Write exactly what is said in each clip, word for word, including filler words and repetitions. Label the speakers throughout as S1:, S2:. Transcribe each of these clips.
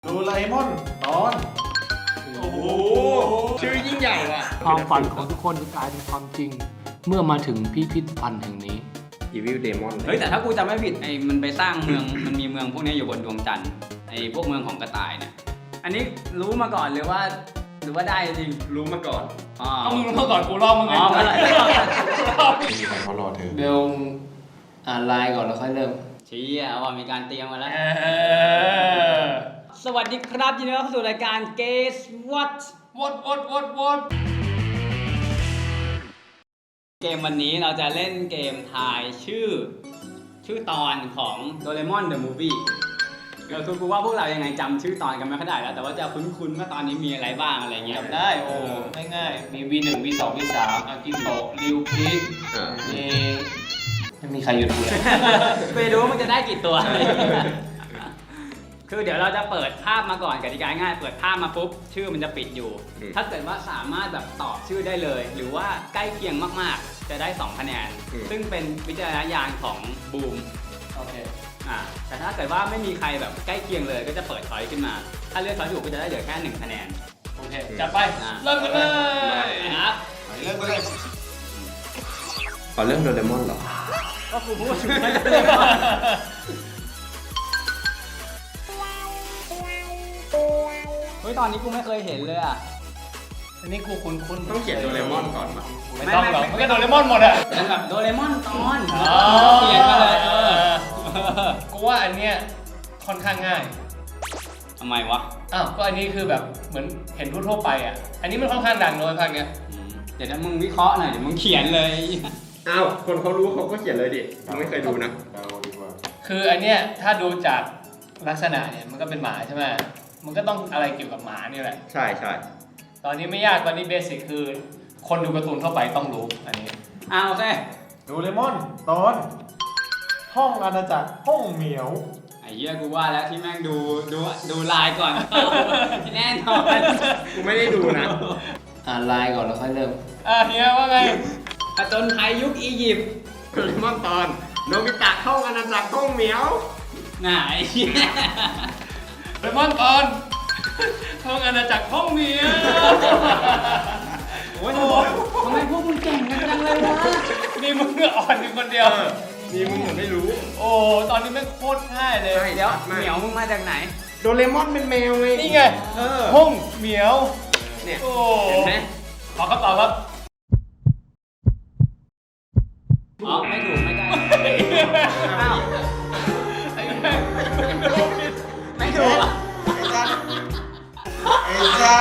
S1: โดราเอมอนตอนโอ้โหชื่อยิ่งใหญ่ว่ะ
S2: ความฝันของทุกคนจะกลายเป็นความจริง เมื่อมาถึงพิพิธภัณฑ์แห่งนี้
S3: Evil Demon
S4: เฮ้ยแต่ถ้ากูจำไม่ผิดไอ้มันไปสร้างเมือง มันมีเมืองพวกนี้อยู่บนดวงจันทร์ไอ้พวกเมืองของกระต่ายเนี่ยอันนี้รู้มาก่อนหรือว่าหรือว่าได้จริง
S3: รู้มาก่อน
S4: อ๋อ
S5: เอามึงรู้มาก่อนกูลองมึงไง
S4: อ๋ออะไร
S1: ไม่มีใครเขารอเธอ
S2: เบลอ่านไลน์ก่อนแล้วค่อยเริ่ม
S4: ชี้อ่ะว่ามีการเตรียมมาแล้ว
S5: เออ
S4: สวัสดีครับยินดีต้อนรับเข้าสู่รายการ Guess What
S5: วดวดวดวด
S4: เกมวันนี้เราจะเล่นเกมทายชื่อ ชื่อตอนของ Doraemon the Movie เราทุกคนว่าพวกเรายังไงจำชื่อตอนกันไม่ค่อยได้แล้วแต่ว่าจะคุ้นๆว่าตอนนี้มีอะไรบ้างอะไรเงี้ย
S5: จำได้โอ้ง่ายๆมี วี หนึ่ง วี สอง วี สามอากิโตะริวคิด
S3: อ่า
S5: มีไม่มีใครอยู่ดูเลย
S4: ไปดูว่ามันจะได้กี่ตัว คือเดี๋ยวเราจะเปิดภาพมาก่อนกติกาง่ายเปิดภาพมาปุ๊บชื่อมันจะปิดอยู่ ถ้าเกิดว่าสามารถแบบตอบชื่อได้เลย หรือว่าใกล้เคียงมากๆ จะได้สองคะแนน ซึ่งเป็นวิจารณญาณของบูม
S5: โอเค
S4: อ่าแต่ถ้าเกิดว่าไม่มีใครแบบใกล้เคียงเลยก็จะเปิดช้อยขึ้นมา ถ้าเลือกช้อยถูกก็จะได้เหลือแค่หนึ่งคะแนน
S5: โอเคจัดไปเริ่มกันเลย
S4: นะครับ
S1: เริ่มกันเลย
S3: ขอเรื่องโดเรมอนเหรอ
S4: ก็คือพูดถึงไม่ได้เฮ้ยตอนนี้กูไม่เคยเห็นเลยอ่ะ
S5: อันนี้กูคุ้นคุ้น
S3: ต้องเขียนโดเรมอนก่อนป่ะ
S5: ไม่ต้องหรอกมันก็โดเรมอนหมดอะ
S4: เป็นแบบโดเรมอนตอน
S5: อ๋อ
S4: เขียนมาเลยเออ
S5: กูว่าอันเนี้ยค่อนข้างง่าย
S4: ทำไมวะ
S5: อ้าวก็อันนี้คือแบบเหมือนเห็นทั่วๆไปอ่ะอันนี้มันค่อนข้างดังเลยภาคเนี้ย
S4: อืมเดี๋ยวถ้ามึงวิเคราะห์หน่อยเดี๋ยวมึงเขียนเลย
S3: อ้าวคนเขารู้เขาก็เขียนเลยดิผมไม่เคยดูนะ
S1: เดาดีกว่า
S5: คืออันเนี้ยถ้าดูจากลักษณะเนี่ยมันก็เป็นหมาใช่ไหมมันก็ต้องอะไรเกี่ยวกับหมานี่แหละ
S3: ใช่ใช่
S5: ตอนนี้ไม่ยากตอนนี้เบสิกคือ คนดูการ์ตูนทั่วไปต้องรู้อันนี้
S4: อ้าวโอเค
S1: โดราเอมอนตอนห้องอาณาจักรห้องเหมียว
S4: ไอ้เหี้ยกูว่าแล้วที่แม่งดูดูดูไลน์ก่อน แน่นอน
S3: กูไม่ได้ดูนะ
S2: อ่านไลน์ก่อนแล้วค่อยเริ่ม
S5: อ่ะเฮียว่าไง
S4: ผจญภัยยุคอียิปต์
S3: โดเรมอนตอนโนบิตะเข้าอาณาจักรห้องเหมียว
S4: น่ะไอ้เหี้ย
S5: เรมอนตอนห้องอาณาจักรห้องเมีย
S4: โอ้ยทำไมพวกมึงเก่งกันจังเลยวะ
S5: นี่มึงก็อ่อนอยู่คนเดียว
S3: นี่มึงเหมือนไม่รู้
S5: โอ้ตอนนี้ไม่งโคตรง่ายเลย
S3: ใช่
S4: เดี๋ยวเหมียวมึงมาจากไหน
S3: โดเรมอนเป็นแมวไง
S5: นี่ไง
S3: เออ
S5: ห้องเหมียว
S3: เนี่ย
S5: โอ้
S4: เห็นไหม
S5: ขอคำตอบครับ
S4: อ๋อไม่ถูกไม่ได้อ้าว
S5: ไอ้แม่ง
S4: ไม่ถูกอ่ะ
S1: ไอ้จ้า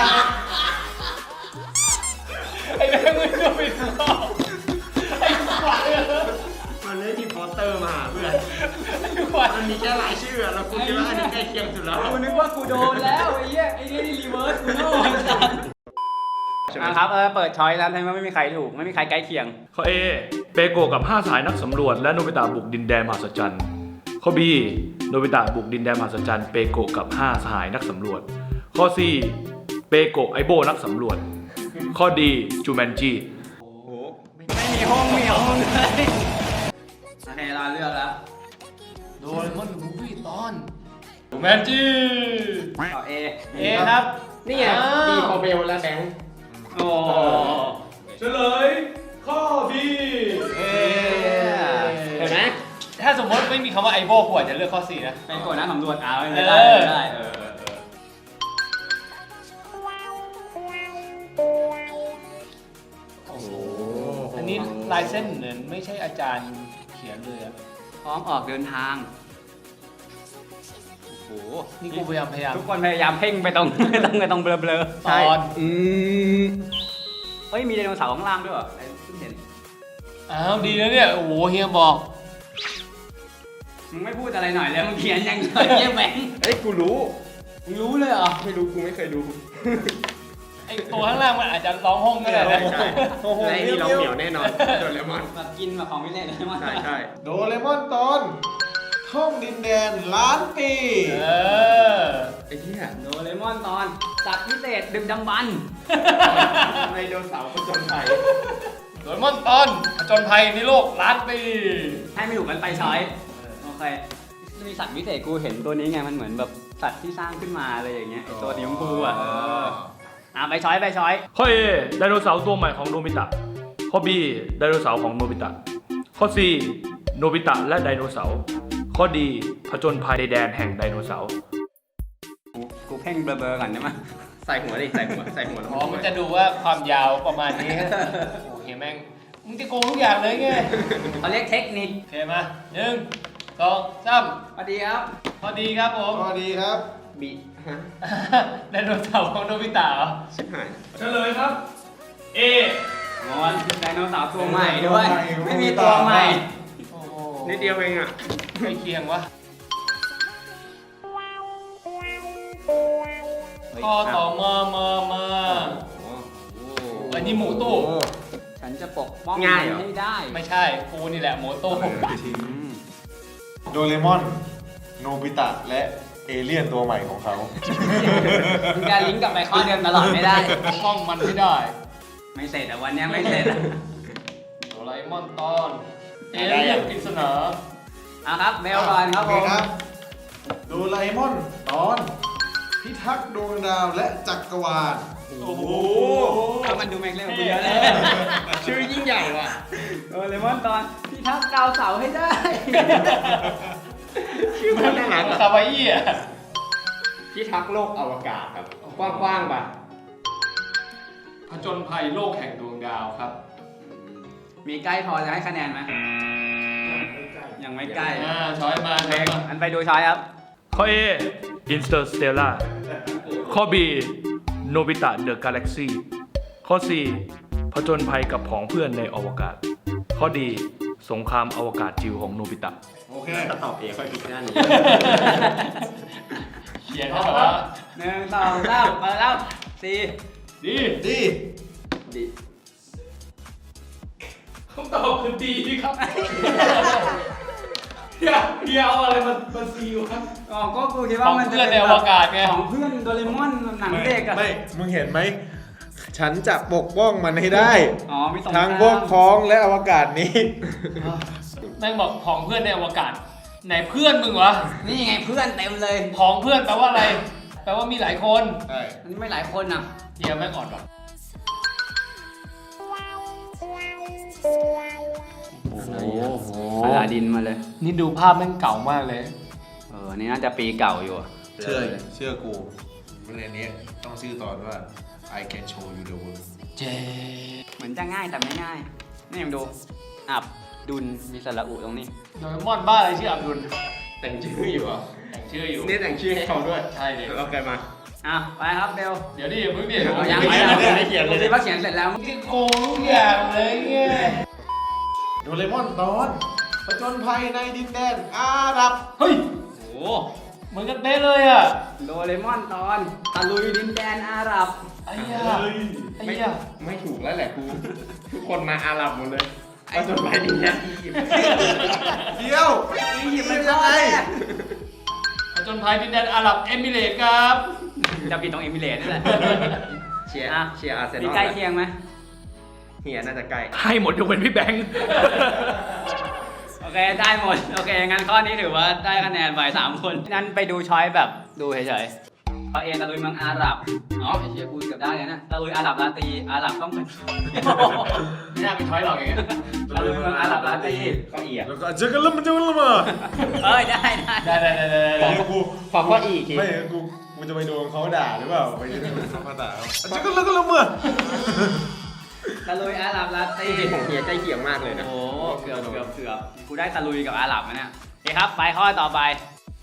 S5: ไอ้แม่งมึงก็ผิดข้อไอ้ควาย
S3: มันไม่มีโปสเตอร์มาเพื่อน
S5: ไอ้ควาย
S3: มันมีแค่รายชื่ออะเราคุณคิดว่าอันนี้ใกล้เคียงสุดแล้ว
S4: กูนึกว่ากูโดนแล้วไอ้เหี้ยไอ้นี่รีเวิร์สกูโง่อ่ะครับเออเปิดช้อยแล้วทำไมไม่มีใครถูกไม่มีใครใกล้เคียง
S6: ข้อ A เปโกะกับห้าสหายนักสำรวจและโนบิตะบุกดินแดนมหัศจรรย์ข้อ B โนบิตะบุกดินแดนมหัศจรรย์เปโกะกับห้าสหายนักสำรวจข้อ C เปโกะไอโบนักสำรวจข้อ D จูแมนจี
S3: โอ้โห
S4: ไม่มีห้องเหมียวเลยโอเคเราเลือกแล้ว
S5: โดเรมอนมูฟวี่ตอนแมนจี
S4: ต่อ A
S5: เอครับ
S3: นี่ไงดีคอเบลและแบงค์
S4: โอ้
S6: เฉลยข้อ B
S5: เอ
S3: เห็นไหม
S5: ถ้าสมมติไม่มีคำว่าไอโบกูอาจจะเลือกข้อสี่นะ
S4: เป็นกดนะสำรวจเอาไม่
S5: เอ
S4: ได้
S5: อ
S4: ไม่ได้เออเออเออ
S5: โอ้โหอันนี้ลายเส้นเหมือนไม่ใช่อาจารย์เขียนเลยอะ
S4: พร้อมออกเดินทางโอ้โห
S5: นี่กูพยายามพยายาม
S4: ทุกคนพยายามเพ่งไปตรง ตรงไปตรงเบลอเบลอ
S5: ตอน
S3: อืม
S4: เฮ้ยมีไดโนเสาร์ข้างล่างด้วยเหรอไอ้เพิ่งเห็น
S5: อ้าวดีนะเนี่ย โอ้โหเฮียบอก
S4: มึงไม่พูดอะไรหน่อยเลยมึงเขียนอย่างเดียวเยี่ยแบงค์
S3: เอ้ยกูรู้
S4: มึงรู้เลยเหรอ
S3: ไม่รู้กูไม่เคยดู
S5: ไอตัวข้างล่างมันอาจจะร้องห้องก็ได้
S3: ใช่
S5: นะ
S3: ใช่และไอ้นี่เราเหนียวแน่นอนโดเรมอน
S4: แบบกินแบบของไม่เล่นเลยมั้ง
S3: ใช่ใช่
S1: โดราเอมอนตอนห้องดินแดนล้านปี
S5: เออ
S3: ไอ้เหี้ย
S4: โดเรมอนตอนสัตว์พิเศษดึกดำบรรพ์
S3: ไดโนเสาร์ผจญภัย
S5: โดเรมอนตอนผจญภัยในโลกล้านปี
S4: ให้ไม่ถูกกันไปช้อยโอเคมีสัตว์พิเศษกูเห็นตัวนี้ไงมันเหมือนแบบสัตว์ที่สร้างขึ้นมาอะไรอย่างเงี้ยไอ้ตัวสีชมพูอ่ะเอออ่ะไปช้อยไปช้อย
S6: ข้อ A ไดโนเสาร์ตัวใหม่ของโนบิตะ ข้อ B ไดโนเสาร์ของโนบิตะ ข้อ C โนบิตะและไดโนเสาร์ ข้อ D ผจญภัยในแดนแห่งไดโนเสาร์
S4: กูกูเพ่งเบลอๆก่อนได้ไหม
S3: ใส่หัวดิใส่หัวใส่หัวแล้ว
S5: อ๋อมันจะดูว่าความยาวประมาณนี้ โอ้โหแม่งมึงจะโกงทุกอย่างเลยไง
S4: เขาเรียกเทคนิค
S5: โอเคมาหนึ่งสองสาม
S4: สวัสดีครับ
S5: พอดีครับผม
S1: สวัสดีครับ
S3: บีฮะ
S5: ไดโนเสาร์ของโนบิตะเหรอ
S3: ชิบหาย
S6: เฉลยครับ A
S4: งอนไดโนเสาร์ตัวใหม่ด้วย ไม่มีตัวใหม่
S5: โอ้โห
S3: นิดเดียวเองอ่ะ
S5: ใกล้เคียงวะข้อต่อมามามาอันนี้หมูตู้
S4: ฉันจะปกป้อง
S3: ง่ายเหรอ
S4: ให้ได้
S5: ไม่ใช่กูนี่แหละหมูตู้
S4: อืม
S1: โดเรมอน โนบิตะ และเอเลี่ยนตัวใหม่ของเขา
S4: มึงจะลิงก์กลับไปข้อเดิมตลอดไม่ได้
S5: กล้องมันไม่ได้
S4: ไม่เสร็จแต่วันเนี้ยไม่เสร็จอะ
S5: โดราเอมอนตอนเอเลี่ยนปริศนา
S4: เอาครับเบลก่อนครับ
S1: โอ
S4: ผ
S1: เค
S4: ม
S1: ครับ โดราเอมอนตอน พิทักษ์ดวงดาวและจักรวาล
S3: โอ้โห
S4: ก็มันดูแม็กเล่นกับกูเยอะเลย
S3: ชื่อยิ่งใหญ่ว่ะ
S4: โดเรมอนตอนพี่ทักษ์ดาวเสาร์ให้ได้
S3: ชื่อมันน่ารัก
S5: คา
S3: อ่ะ
S5: วาอี้อ่ะ
S3: พิทักษ์โลกอวกาศครับ กว้างๆป่ะ
S5: ผจญภัยโลกแห่งดวงดาวครับ
S4: มีใกล้พอจะให้คะแนนไหมยังไม่ใกล้
S5: อ่าช้อยมา
S4: โอเค
S5: ช้อยมา
S4: อันไปดูช้อยครับ
S6: ข้อ A Interstellar ข้อ B โนบิตะ The Galaxy ข้อ C ผจญภัยกับผองเพื่อนในอวกาศ ข้อ D สงครามอวกาศจิ๋วของโนบิตะ
S1: โอเค
S3: ถ้าตอบเองค่อยผิดหน้านี้
S5: เขียนให้แบบว่า
S4: หนึ่งสองสามเปิดแล้วสี่
S5: ดี
S1: ดี
S4: ดี
S6: คำตอบคือดีครับ อย่าอย่าเอาอะไรมามาซีวครับ
S4: อ๋อก็กูคิด
S5: ข
S4: ว่า
S5: อง
S4: มันจะ
S5: เพื่อนใน
S4: เป็น
S5: อ
S4: แบ
S5: ว
S4: บ
S5: กาศไง
S4: ของเพื่อนโดเรมอนหนังเด็กอะ
S1: ไม่ มึงเห็นไหม ฉันจะปกป้องมันให้ได้
S4: อ๋อมีสอง
S1: ทั้งพวกพ้องและอวกาศนี้
S5: แม่งบอกของเพื่อนในอวกาศ ไหนเพื่อนมึงวะ
S4: นี่ไงเพื่อนเต็มเลย
S5: ของเพื่อนแปลว่าอะไร แปลว่ามีหลายคน
S1: ใช่
S4: มันไม่หลายคนอ่ะ
S5: เฮียแม่งอ่อนว่ะ
S4: โอ้โหอลาดินมาเลย
S5: นี่ดูภาพแม่งเก่ามากเลย
S4: เออ นี่น่าจะปีเก่าอยู่อะ
S1: เชื่อ เชื่อกูเรื่องนี้ต้องชื่อตอนว่า I can show you the world
S5: เจ
S4: เหมือนจะง่ายแต่ไม่ง่าย นี่ยังดู อับ ดุล มีสระอุตรงนี้
S5: โดเรมอนบ้าอะไรชื่ออับดุล
S3: แต่งชื่ออยู่เหรอ
S5: แต่งชื่ออยู่
S3: นี่แต่งชื่อให้เขาด้วย
S5: ใช่เลย
S3: โอเคมา
S4: อ่ะ ไปครับเบล
S5: เดี๋ยวดิอย่าเพิ่งดิ
S4: เอายัง
S3: ไม่
S4: ไม่
S3: เขียน
S4: เอา
S3: ไม่เขียนเลย
S4: ดูสิว่าเขียนเสร็จแล้ว
S5: มึงจะโกงทุกอย่างเลยไง
S1: โดเรมอนตอนผจญภัยในดินแดนอาหรับ
S5: เฮ้ย
S4: โอ้โห
S5: เหมือนกันเป๊ะเลยอ่ะ
S4: โดเรมอนตอนตะลุยดินแดนอาหรับ
S5: ไอ้เหี้ยไอ้
S3: ไม่
S5: เหี้ย
S3: ไม่ถูกแล้วแหละกู ทุกคนมาอาหรับหมดเลยไอ้จนไปดินแดนอียิปต์
S1: เดียว
S4: อียิปต์
S1: เป็
S4: เป็น น
S1: ยั
S4: ยัง ง
S1: ไง
S4: ไง
S5: ผจญภัยดินแดนอาหรับเอมิเรตส์ครับ
S4: จะปิดตรงเอมิเรตส์นี่แหละ
S3: เชียร์
S4: อ่ะ
S3: เชียร์อาร์เซน
S4: มี
S3: อล
S4: ใกล้เคียงไหม
S3: เฮียน่าจะใกล้
S6: ให้หมดยกเว้นพี่แบงค์
S4: โอเค ได้หมด โอเค งั้นข้อนี้ถือว่าได้คะแนนไปสามคน งั้นไปดูช้อยแบบดูเฉยๆเอาเอตะลุยเมืองอาหรับอ๋อไอเชียกูเกือบได้เลยนะตะลุยอาหรับลาตีอาหรับต้องเป็น
S5: ไม่น่าเป็นช้อยหรอกอย่างเงี้ย
S4: ตะลุยเมืองอาหรับลาตี
S3: ก็เอีย
S1: แล้วก็เจอกันแล้วมันจะมันละมา
S4: เอ้ยได้ได้
S5: ได้ได้ได้ได้
S1: ไม่
S5: ได้
S1: กู
S3: ขอข้ออีกที
S1: ไม่กูกูจะไปโดนเขาด่าหรือเปล่าไปโดนเขาด่าเขาเจอกันแล้วก็ละมา
S4: ตะลุยอาหรับลาตี
S3: จริงๆของเฮียใกล้เคียงมากเลยนะ
S4: โอ้เกือบเกือบเกือบกูได้ตะลุยกับอาหรับนะเนี่ยโอเคครับ ไปข้อต่อไป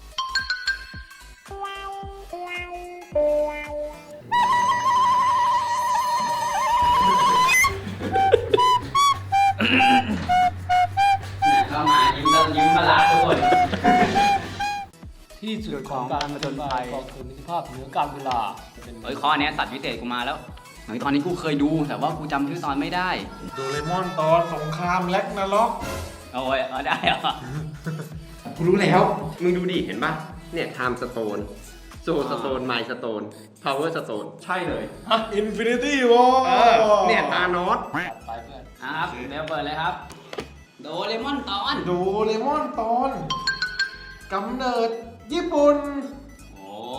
S4: เนี่ยเข้ามายิ้มตะยิ้มประหลาดทุกคน
S5: ที่สุดของการผจญภัยกองทุนนิติภาพเหนือการเวลา
S4: เฮ้ยข้อเนี้ยสัตว์วิเศษกูมาแล้วเฮ้ยตอนนี้กูเคยดูแต่ว่ากูจำชื่อตอนไม่ได้
S1: โดเรมอนตอนสงครามแล็กนาล็อก
S4: โอ้ยเอาได้เหรอ
S3: กูรู้แล้ว มึงดูดิ เห็นปะเนี่ยไทม์สโตนโซสโตนไมสโตนพาวเวอร์สโตนใช่เลย
S1: อินฟินิตี้วอล
S3: เออ เนี่ยตานอส
S5: ไปเพื่อน
S4: อ่ะครับเดี๋ยวเปิดเลยครับ โดเรมอนตอน
S1: โดเรมอนตอนกำเนิดญี่ปุ่น
S4: โอ้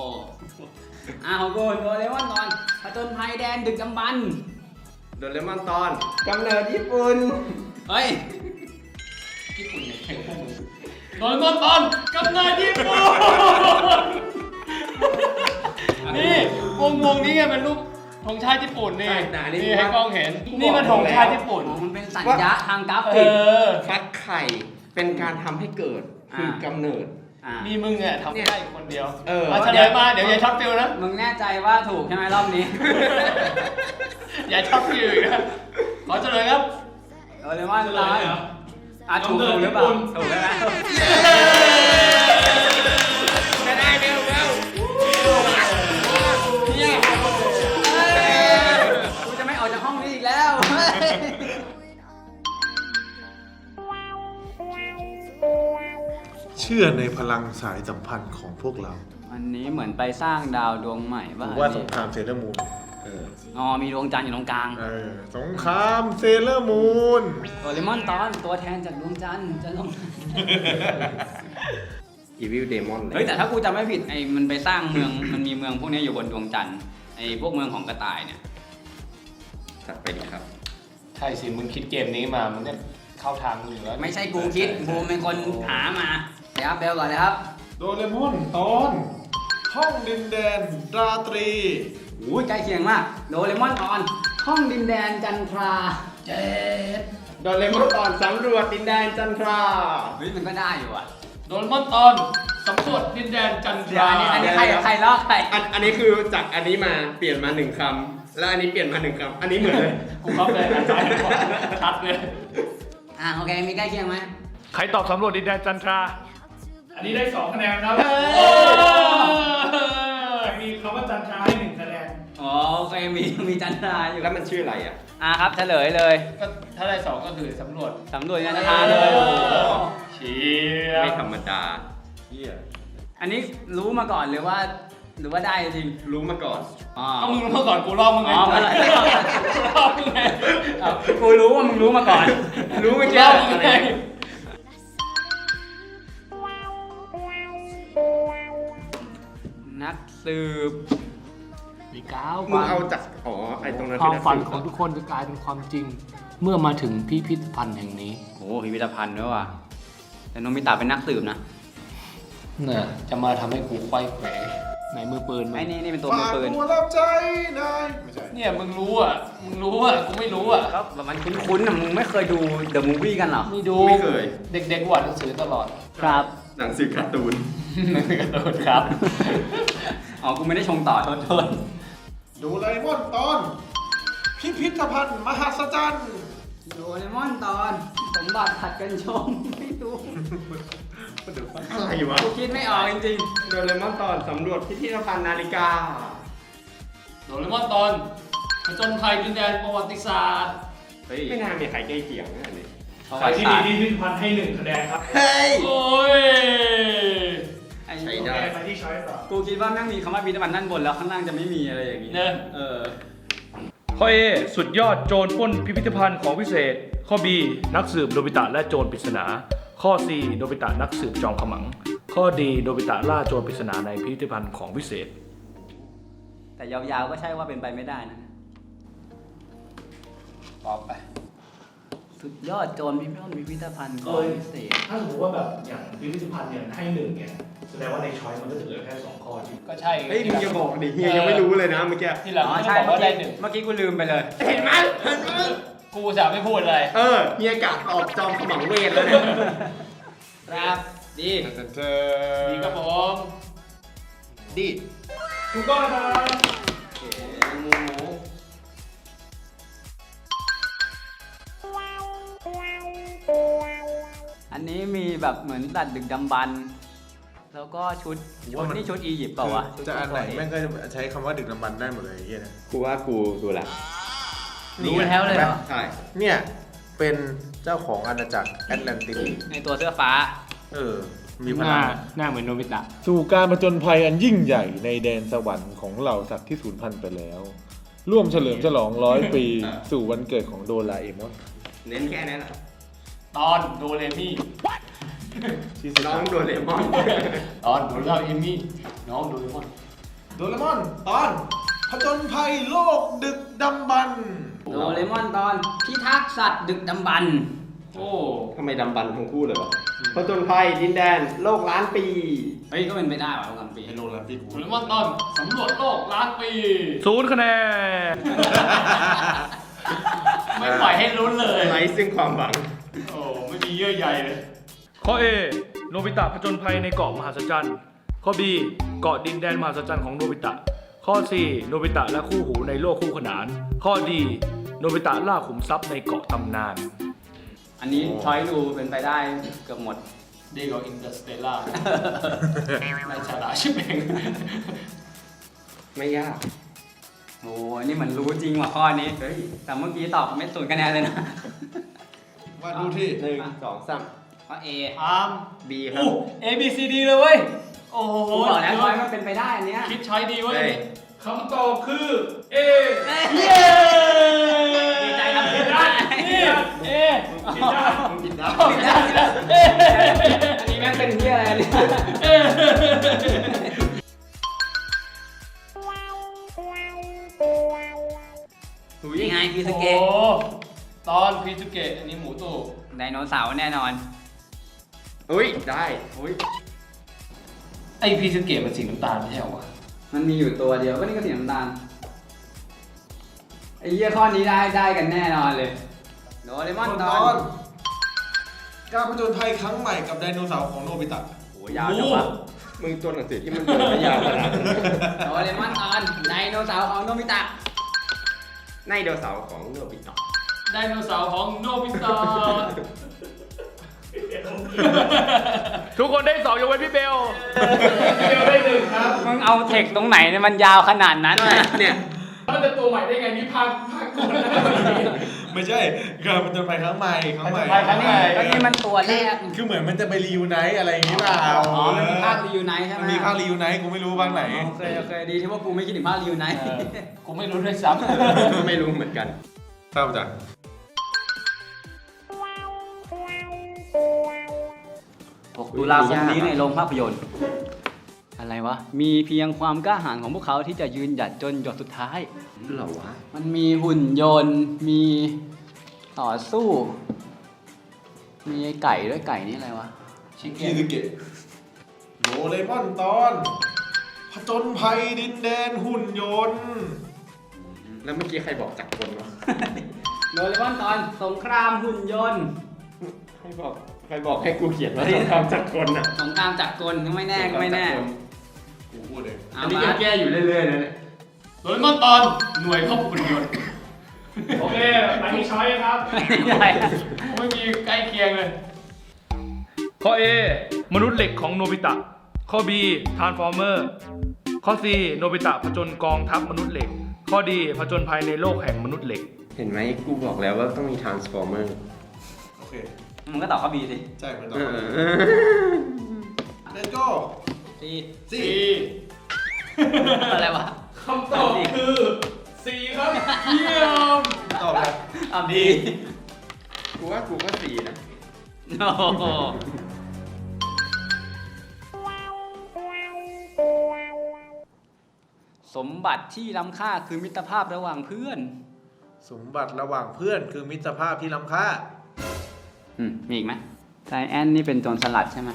S4: อ่าของกูโดเรมอนตอนผจญภัยแดนดึกดำบรรพ์
S3: โดเรมอนตอนกำเนิดญี่ปุ่น
S4: เฮ้ย
S5: ญี่ปุ่นเนี่ยแข่งพวกมึงโดนต้นตอนกำเนิดญี่ปุ่นนี่วงวงนี้ไงเป็นรูปธงชาติญี่ปุ่นนี่
S3: ใช่แต่อันนี้
S5: นี่ให้กล้องเห็น นี่มันธงชาติญี่ปุ่น
S4: มันเป็นสัญญาทางกรา
S5: เอ
S4: ฟิก
S5: อ
S3: ฟักไข่เป็นการทำให้เกิดคือ
S4: อ่า
S3: กำเนิด
S4: อ่า
S5: มีมึงอ่ะทำได้อยู่คนเดียว
S3: เออ
S5: าเฉลยมาเดี๋ยวอย่าช็อตฟิลนะ
S4: มึงแน่ใจว่าถูกใช่ไหมรอบนี้
S5: อย่าช็อตฟิลอีกนะขอเฉลยครับ
S4: โดเรมอนตอนอ่ะถูกถูกหรือเปล่าถูกใช่ไหม
S3: จะได้เร็วเร็วเนี่ย
S4: กูจะไม่ออกจากห้องนี้อีกแล้ว
S1: เชื่อในพลังสายสัมพันธ์ของพวกเรา
S4: วันนี้เหมือนไปสร้างดาวดวงใหม่
S1: ห
S4: บ้า
S1: รือว่าสงครามเซเลอร์มูนเออ
S4: อ๋อมีดวงจันทร์อยู่ตรงกลาง
S1: เออสงครามเซเลอร์มูน
S4: โดเรมอนตอนตัวแทนจากดวงจันทร์จะลง
S3: อีวิลเดมอน
S4: เฮ้ยแต่ถ้ากูจำไม่ผิดไอ้มันไปสร้างเมืองมันมีเมืองพวกนี้อยู่บนดวงจันทร์ไอ้พวกเมืองของกระต่ายเนี่ย
S3: จัดไปดีครับ
S5: ใช่สิ มึงคิดเกมนี้มา มึงเนี่ยเข้าทางมึงอยู่แล้ว
S4: ไม่ใช่กูคิดกูเป็นคนหามาเดี๋ยวครับเบลก่อนเลยครับ
S1: โดเรมอนตอนห้องดินแดนราตรี
S4: อุ้ยใกล้เคียงมากโดเรมอนตอนห้องดินแดนจันทรา
S5: เจ็ด
S3: โดเรมอนตอนสำรวจดินแดนจันทรา
S4: เฮ้ยมันก็ได้อยู่อ่ะ
S5: โดนมอนตอนสำรวจดินแดนจันท
S4: เดี๋ยว
S5: รา
S4: อันนี้อันนี้ใครใครลอกใคร
S3: อันอันนี้คือจากอันนี้มาเปลี่ยนมาหนึ่งคำแล้วอันนี้เปลี่ยนมาหนึ่งคำอันนี้เหมือนเลย
S5: กูเข้าใจอาจารย์ชัดเลย
S4: อ่าโอเคมีใกล้เคียงไหม
S6: ใครตอบสำรวจดินแดนจันทรา อันนี้ได้สองคะแนนครับมีคำว่าจันทราให้หนึ่งคะแนน
S4: อ๋อโอเคมีมีจันทราอยู่
S3: แล้วมันชื่ออะไรอ่ะ
S4: อ่าครับเฉลยเลย
S5: ก็ถ้าได้สองก็คือสำรวจ
S4: สำรวจจันทราเลย
S5: เชีย
S3: ไม่ธรรมดา
S1: เฮีย
S4: อันนี้รู้มาก่อนหรือว่า หรือว่าได้จริง
S3: รู้มาก่อน
S4: อ๋อ
S5: ก็มึงรู้มาก่อนกูลอกมึงไง
S4: อ๋อมาเลย
S5: กูลอกมึงไง
S4: อ้าวกูรู้ว่ามึงรู้มาก่อน
S3: รู้เมื่อ
S5: กู
S3: กี้
S5: ลอกมึงไง
S4: นักสืบ
S2: มีก้าว
S3: มึงเอาจากอ๋อไอ้ตรงนั้น
S2: ความฝัน
S3: ที่
S2: ของทุกคนจะกลายเป็นความจริง เมื่อมาถึงพิพิธภัณฑ์แห่งนี้
S4: โอ้พิพิธภัณฑ์ด้วยว่ะแต่โนมิตะเป็นนักสืบนะ
S2: น่ะจะมาทำให้กูไขว้เขวไหนมือปืนมึ
S4: ไอ้
S2: ง
S4: นี่นี่เป็นตัวมือ
S1: ฝาก
S4: ปืน
S1: ตัวรับใจนายไม่ใช่
S5: เนี่ยมึงรู้อ่ะ มึงรู้อ่ะ กูไม่รู้อ่ะ
S4: ก็แบบมันคุ้นๆนะมึงไม่เคยดู The Movie กันเหรอ
S5: มีดู
S3: ไม่เคย
S5: เด็กๆกูอ่านหนังสือตลอด
S4: ครับ
S3: หนังสือการ์ตูน
S5: กระโดดครับ
S4: อ๋อ กูไม่ได้ชงต่อโทษโทษ
S1: โดราเอมอนตอนพิพิธภัณฑ์มหัศจรรย์
S4: โดเรมอนตอนสมบัติผัดกันชงไม่ดู
S3: อะไรวะ
S4: กูคิดไม่ออกจริง
S3: โดเรมอนตอนสำรวจพิพิธภัณฑ์นาฬิกา
S5: โดเรมอนตอนผจญภัยดินแดนประวัติศาสตร์
S4: ๆเฮ้ย
S3: ไม่น่ามีใครใกล้เคียงนะอันนี้
S4: ประ
S6: ใคร
S4: วัติ
S6: ที่
S4: ศา
S6: มี
S4: สตร์
S6: พิพิธภัณฑ์ให้หนึ่งคะแนนครับ
S3: เฮ้ย
S5: โอ้ย
S4: ไอ้
S3: ใช่
S6: โอ
S3: ได้
S6: เคไปที่ช้อยส์ต่อ
S4: กูคิดว่าแม่งมีคำว่าพิพิธภัณฑ์ด้านบนแล้วข้างล่างจะไม่มีอะไรอย่างงี้
S5: เนอะ
S4: เออ
S6: ข้อ A สุดยอดโจรปล้นพิพิธภัณฑ์ของพิเศษ ข้อ B นักสืบโนบิตะและโจรปริศนา ข้อ C โนบิตะนักสืบจอมขมัง ข้อ D โนบิตะล่าโจรปริศนาในพิพิธภัณฑ์ของพิเศษ
S4: แต่ยาวๆก็ใช่ว่าเป็นไปไม่ได้นะ
S5: ตอบไป
S4: สุดยอดโจรพิพิธภัณฑ์พิพิธภัณฑ์ของพิเศษ
S6: ถ้าสมมติว่าแบบอย่างพิพิธภัณฑ์เนี่ยให้หนึ่งเนี่ยแสดงว่าในช้อยส์มันก็จะเหลือแค่สองข้อที่
S5: ก็ใช่
S3: เฮ้ยมึงอย่าบอกดิเฮียยังไม่รู้เลยนะเมื่อกี้
S5: ที่หลัง
S4: อ๋อ
S5: ไม่
S4: ใช่
S5: บอก
S4: เมื่อ
S5: ว่าได้
S4: กี้
S5: หนึ่ง
S4: เมื่อกี้กูลืมไปเลย
S3: เห็นไหมเห็นไหม
S5: กูจะไม่พูดเลย
S3: เออเฮียกะตอบจอมขมังเวทแล้วเนี่ย
S4: ครับ ดี
S1: เธอ
S5: ดีครับผม
S3: ดี
S6: ถูกต้องครับ
S3: หมูหมู
S4: อันนี้มีแบบเหมือนตัดดึกดำบรรพ์แล้วก็ชุดชุดนี่ชุดอียิปต์เปล่าวะ
S1: จะอันไหนแม่งก็จะใช้คำว่าดึกดำบรรพ์ได้หมดเลยไอ้เฮียนะ
S3: กูว่ากูดูแล
S4: รู้แล้วเลยเหรอ
S3: ใช่
S1: เนี่ยเป็นเจ้าของอาณาจักรแอตแลนติส
S4: ในตัวเสื้อฟ้า
S1: เออ มี
S2: ห
S1: พ
S2: น้า
S1: ลัง
S2: หน้าเหมือนโนบิตะ
S7: สู่การผจญภัยอันยิ่งใหญ่ในแดนสวรรค์ของเหล่าสัตว์ที่สูญพันธุ์ไปแล้ว ร่วมเฉลิมฉลองร้อยปี สู่วันเกิดของโดราเอมอน
S3: เน้นแค่นั้นแหละ
S5: ตอนโดเรมี่
S3: น้องโดเรมอน
S5: ตอนโดราเอมี่ น้องโดเรมอน
S1: โดเรมอนตอนผจญภัยโลกดึกดำบรรพ์
S4: โดเรมอนตอนพิทักษ์สัตว์ดึกดำบรรพ์
S5: โอ้
S3: ทำไมดำบันทั้งคู่เลยวะผจญภัยดินแดนโลกล้านปี
S4: เฮ้ยก็เป็นไปได้ว่ะลำปี
S1: ไฮโลแล้วพี่กู
S5: โดเรมอนตอนสำรวจโลกล้านปี
S6: ศูนย์คะแนน
S5: ไม่ปล่อยให้ลุ้นเลย
S3: ไร้ซึ่งความหวัง
S5: โอ้ไม่มีเยื่อใยเลย
S6: ข้อ A โนบิตะผจญภัยในเกาะมหัศจรรย์ข้อ B เกาะดินแดนมหัศจรรย์ของโนบิตะข้อ C โนบิตะและคู่หูในโลกคู่ขนานข้อ D โนบิตะล่าขุมทรัพย์ในเกาะตำนาน
S4: อันนี้ช้อยดูเป็นไปได้เกือบหมด
S5: ดีกว่าอินเตอร์สเตลล่าในชาดาชิบเอง
S3: ไม่ยาก
S4: โอ้ยนี่เหมือนรู้จริงว่ะข้อนี้
S3: เฮ้ย
S4: แต่เมื่อกี้ตอบไม่ศูนย์คะแนนเลยนะ
S1: ว่าดูที่
S3: หนึ่งสองสาม
S4: ข้อ A
S5: อาร์ม
S3: บีครับ
S5: โอ้ A B C D เลยเว้ย โอ้โห
S4: กูบอกแล้วช้อยมันเป็นไปได้อันเนี้ย
S5: คิดช้อยดีเว้ย
S3: เฮ้ย
S6: คำตอบคือ A
S5: เย้
S4: ดีใจทำ
S5: ผิ
S4: ผิ
S5: ด
S4: ด
S5: ได้
S4: ได้
S5: นี่เอ
S6: ผิดได้
S3: มึงผิดนะ
S4: ผิดได้อันนี้แม่งเป็นที่อะไรเนี่ย
S3: หุย
S4: นี่ไงพีส
S5: โอ้โห
S4: เกะ
S5: ตอนพีจูเกะอันนี้หมูตู่
S4: ไดโนเสาร์แน่นอน
S3: อุ้ยได้
S4: อุ้ย
S5: ไอพีจูเกะมันสีน้ำตาลไม่ใช่เหรอวะ
S4: มันมีอยู่ตัวเดียวก็นี่ก็สีน้ำตาลไอ้เหี้ยข้อนี้ได้ได้กันแน่นอนเลยโดเรมอน
S1: ต
S4: ต
S1: อ
S4: อน
S1: นการผจญภัยครั้งใหม่กับไดโนเสาร์ของโนบิตะ
S4: โอ้ยาวจังวะ
S3: มึงตัวหนังสือที่มันเปิดไม่ยาวขนาดนั้น
S4: โดเรมอนตอนไดโนเสาร์ของโนบิตะ
S3: ในเดโนเสาร์ของโนบิตะ
S5: ไดโนเสาร์ของโนบิตะ
S6: ทุกคนได้สองยกเว้นพี่เบลพี่เบลได้หนึ่งครับ
S4: มึงเอาเทคตรงไหนเนี่ยมันยาวขนาดนั้นน่ะ
S3: เนี่ย
S6: มันจะตัวใหม่ได้ไงนี่ภาคภาคก่อนนะ
S1: ไม่ใช่การผจญภัยครั้งใหม่ครั้งใหม่
S5: ไปครั้งใหม่
S4: ก็นี่มันตัวแรก
S1: คือเหมือนมันจะไปรีวิวไนท์อะไรอย่างงี้เปล่า
S4: อ๋อมันมีภาครีวิวไนท์ใช่ไหม
S1: มันมีภาครีวิวไนท์กูไม่รู้ภาคไหน
S4: โอเคโอเคดีที่ว่ากูไม่คิดถึงภาครีวิวไนท์
S5: เออกูไม่รู้ด้วยซ้
S3: ไม่รู้เหมือนกัน
S1: ทราบจาก
S4: หกตุลาคมนี้ในโรงภาพยนตร์ อะไรวะ มีเพียงความกล้าหาญของพวกเขาที่จะยืนหยัดจนหยดสุดท้าย
S3: เหรอวะ
S4: มันมีหุ่นยนต์ มีต่อสู้ มีไอ้ไก่ด้วยไก่นี่อะไรวะ
S5: ำชิค
S1: พี
S5: เก้น
S1: ซึเกะโดเรมอนตอนผจญภัยดินแดนหุ่นยนต์
S3: แล้วเมื่อกี้ใครบอกจักรคนวะ
S4: โดเรมอนตอนสงครามหุ่นยนต์
S3: ใครบอกใครบอกให้กูเขียนว่าต้องทำจักรคนอ่ะ
S4: สงครามจักรกลก็ไม่แน่ก็ไม่แน่
S1: กูพูดเอง
S4: เอา
S3: อันนี้
S4: มา
S3: ยังแก้อยู่เรื่อยๆนะเนี่ย
S5: โดเรมอนตอนหน่วยควบคุมยนต์
S6: โอเคไปที่ช้อยครับ
S4: ไม่ได้
S5: ไม่มีใกล้เคียงเลย
S6: ข้อ A มนุษย์เหล็กของโนบิตะข้อ B ทรานส์ฟอร์เมอร์ข้อ C โนบิตะผจญกองทัพมนุษย์เหล็ก ข้อ D ผจญภัยในโลกแห่งมนุษย์เหล็ก
S3: เห็นไหมกูบอกแล้วว่าต้องมี transformer
S1: โอเค
S4: มึงก็ตอบข้อบีสิ
S1: ใช่มันตอ
S3: เอบ อ
S1: เลโก้
S4: ซี
S1: สี่
S4: อะไรวะ
S6: คำตอบคือ C ครับเยี่ยม
S1: ตอบแล้ว
S4: ตอบดี
S3: กูว่ากูก็สี่นะ
S4: โอ้โหสมบัติที่ล้ำค่าคือมิตรภาพระหว่างเพื่อน
S1: สมบัติระหว่างเพื่อนคือมิตรภาพที่ล้ำค่า
S4: อืม มีอีกไหมไซแอนนี่เป็นโจรสลัดใช่ไหม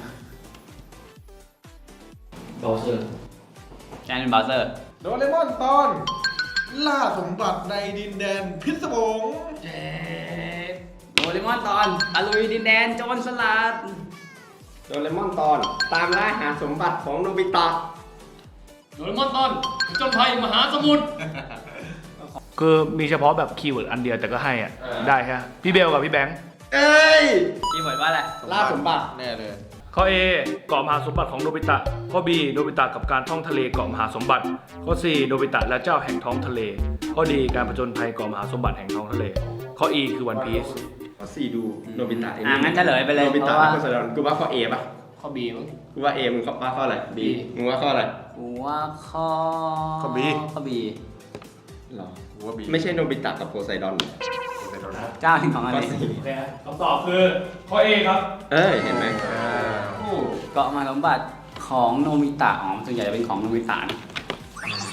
S2: บอลเซอร์
S4: แจนเป็นบาวเซอร์
S1: โดเรมอนตอน ล่าสมบัติในดินแดนพิศวง
S5: เจ๊
S4: โดเรมอนตอนตะลุยดินแดนโจรสลัด
S3: โดเรมอนตอนตามล่าหาสมบัติของโนบิตะ
S5: โดเรมอนตอนผจญภัยมหาสมุทร
S6: คือมีเฉพาะแบบคีย์เวิร์ดอันเดียวแต่ก็ให้อ่ะ
S5: เออ
S6: ได้ฮะพี่เบลกับพี่แบงค์
S3: เอ้ย
S4: คีย์เวิร์ดว่าอะไร
S3: ล่าสมบัติ
S1: แน่เลย
S6: ข้อ A เกาะมหาสมบัติของโนบิตะข้อ B โนบิตะกับการท่องทะเลเกาะมหาสมบัติ ข้อ C โนบิตะและเจ้าแห่งท้องทะเล ข้อ D การผจญภัยเกาะมหาสมบัติแห่งท้องทะเล ข้อ E คือวันพีซ
S3: ข้อสี่ดูโนบิตะ
S4: อ่ะงั้นเฉลยไปเลย
S3: โนบิ
S4: เพ
S3: ตะ
S4: ราะว่า
S3: และโพไซดอนกูว่าข้อ A ป่ะ
S5: ข้อบีมั้ง
S3: กูว่า A มึงว่าข้ออะไร B มึงว่าข้ออะไร
S4: กูว่าข้อ
S1: ข้อ B
S4: ข้อบี
S3: หรอ
S1: กูว่าบี
S3: ไม่ใช่โนบิตะกับโพไซดอน
S1: ไปโดนนะ
S4: เจ้าแห่งของอะไร
S3: ข้อสี่
S6: โอเคฮะคำตอบคือข้อ A ครับ
S3: เอ้ยเห็นไหม
S5: โอ้
S4: เกาะมหาสมบัติของโนมิตะอ๋อส่วนใหญ่จะเป็นของโนมิตะนะ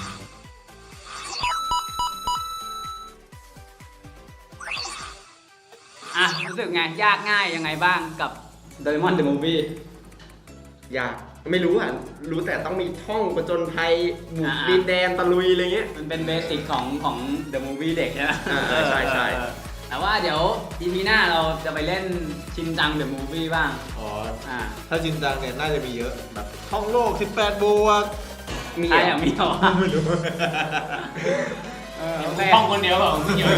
S4: รู้สึกไง ยากง่ายยังไงบ้างกับโดเรมอนเดอะมูฟวี่
S3: อยากไม่รู้อ่ะ รู้แต่ต้องมีท่องประจนภัยบุก
S4: อ่า
S3: ดินแดนตะลุยอะไรเงี้ย
S4: มันเป็นเบสิกของของเดอะมูฟวี่เด็กใช่ไหม
S3: อ่าใช่ใช่
S4: เออแต่ว่าเดี๋ยวทีพีหน้าเราจะไปเล่นชินจังเดอะมูฟวี่บ้าง
S1: อ๋อ
S4: อ่า
S1: ถ้าจินจังเนี่ยน่าจะมีเยอะแบบท่องโลกสิบแปดบวก
S3: มี
S4: ใช่
S3: เหร
S4: อ
S3: อย่าง
S4: มีหรอ
S1: ไม่รู้
S4: เออโอเค
S5: ห้องคนเดียวเปล่าไม่เกี่ยว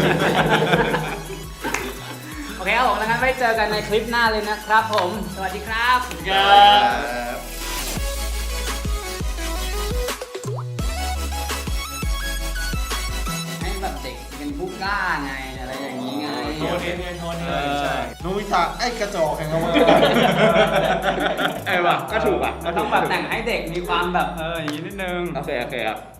S4: โอเคครับผมแล้วงั้นไว้เจอกันในคลิปหน้าเลยนะครับผม สวัสดีครับ ให้แบบเด็กเป็นผู้กล้าไงอะไรอย่างนี้ไง
S5: โทษเองโทษเอ
S1: เออง ใช่โนบิตะไอ้กระจอกแห่งเรา
S3: เออว่ะก็ถูกอ่ะก็
S4: ต้
S3: ถู
S4: อง
S3: ก
S4: แบบแต่งให้เด็กมีความแบบเอออย่างนี้นิดนึง
S3: โอเคโอเคครับ